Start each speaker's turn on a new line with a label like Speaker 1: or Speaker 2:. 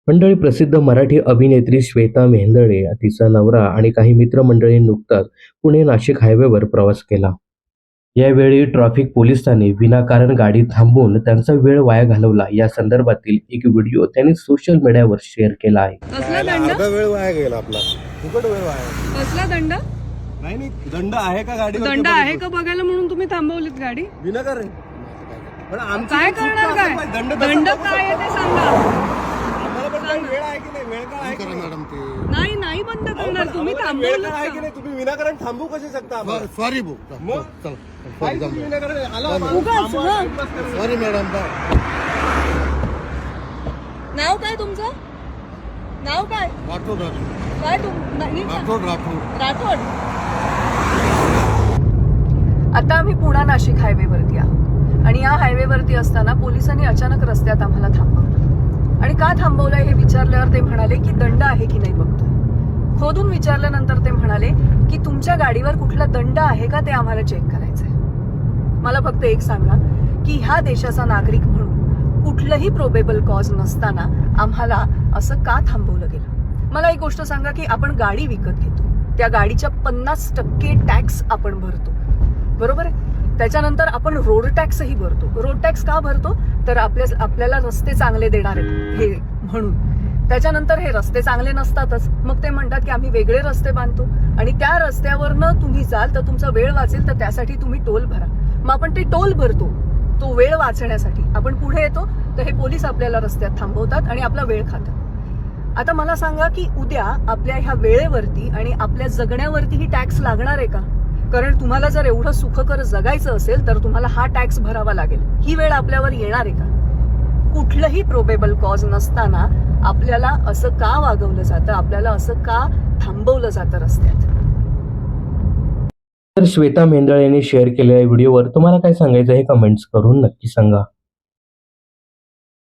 Speaker 1: मंडळी, प्रसिद्ध मराठी अभिनेत्री श्वेता मेहेंदळे, तिचा नवरा आणि काही मित्रमंडळी नुकताच पुणे नाशिक हायवेवर प्रवास केला. यावेळी ट्रॅफिक पोलिसांनी विनाकारण गाडी थांबवून त्यांचा वेळ वाया घालवला. या संदर्भातील एक व्हिडिओ त्यांनी सोशल मीडियावर शेअर केला आहे.
Speaker 2: कसला दंड?
Speaker 3: अर्धा वेळ वाया गेला आपला, फुकट वेळ वाया.
Speaker 2: कसला दंड?
Speaker 3: नाही दंड आहे का गाडी?
Speaker 2: दंड आहे का बघायला म्हणून तुम्ही थांबवलीत गाडी?
Speaker 3: विनाकारण. पण आमची
Speaker 2: काय
Speaker 3: चूक
Speaker 2: करणार?
Speaker 3: काय?
Speaker 2: काय
Speaker 3: दंड
Speaker 2: दंड काय आहे ते सांगा.
Speaker 3: आम्हाला पण काही वेळ आहे की नाही? वेळ काय आहे की नाही? मॅडम ते
Speaker 2: नाही नाही बंद करणार, तुम्ही
Speaker 3: वेळ
Speaker 2: थांबवलं
Speaker 3: काय आहे की नाही? तुम्ही विनाकारण थांबू कसे शकता आम्हाला?
Speaker 4: सॉरी भाऊ
Speaker 3: मग? काय तुम्ही विनाकारण आला
Speaker 2: उगाच, हं.
Speaker 4: Sorry madam.
Speaker 2: नाव काय तुमचं? नाव काय?
Speaker 4: राठोड
Speaker 2: काय नाही
Speaker 4: राठोड राठोड
Speaker 2: राठोड. आता आम्ही पुणा नाशिक हायवेवरती आहोत आणि या हायवेवरती असताना पोलिसांनी अचानक रस्त्यात आम्हाला थांबवलं. आणि का थांबवलंय हे विचारल्यावर ते म्हणाले की दंड आहे की नाही बघतो. खोदून विचारल्यानंतर ते म्हणाले की तुमच्या गाडीवर कुठला दंड आहे का ते आम्हाला चेक करायचंय. मला फक्त एक सांगा की ह्या देशाचा नागरिक म्हणून कुठलंही प्रोबेबल कॉज नसताना आम्हाला असं का थांबवलं गेलं? मला एक गोष्ट सांगा की आपण गाडी विकत घेतो, त्या गाडीच्या 50% टॅक्स आपण भरतो, बरोबर आहे? त्याच्यानंतर आपण रोड टॅक्सही भरतो. रोड टॅक्स का भरतो? तर आपल्याला रस्ते चांगले देणार आहेत हे म्हणून. त्याच्यानंतर हे रस्ते चांगले नसतातच, मग ते म्हणतात की आम्ही वेगळे रस्ते बांधतो आणि त्या रस्त्यावरनं तुम्ही जाल तर तुमचा वेळ वाचेल, तर त्यासाठी तुम्ही टोल भरा. मग आपण ते टोल भरतो तो वेळ वाचण्यासाठी. आपण पुढे येतो तर हे पोलीस आपल्याला रस्त्यात थांबवतात आणि आपला वेळ खातात. आता मला सांगा की उद्या आपल्या ह्या वेळेवरती आणि आपल्या जगण्यावरती ही टॅक्स लागणार आहे का? कारण तुम्हाला जर एवढं सुखकर जगायचं असेल तर तुम्हाला हा टॅक्स भरावा लागेल. ही वेळ आपल्यावर येणार आहे का? कुठलंही प्रोबेबल कॉज नसताना आपल्याला असं का वागवलं जातं? आपल्याला असं का थांबवलं जातं रस्त्यात?
Speaker 1: तर श्वेता मेहेंदळे यांनी शेअर केलेल्या व्हिडिओवर तुम्हाला काय सांगायचं हे कमेंट्स करून नक्की सांगा.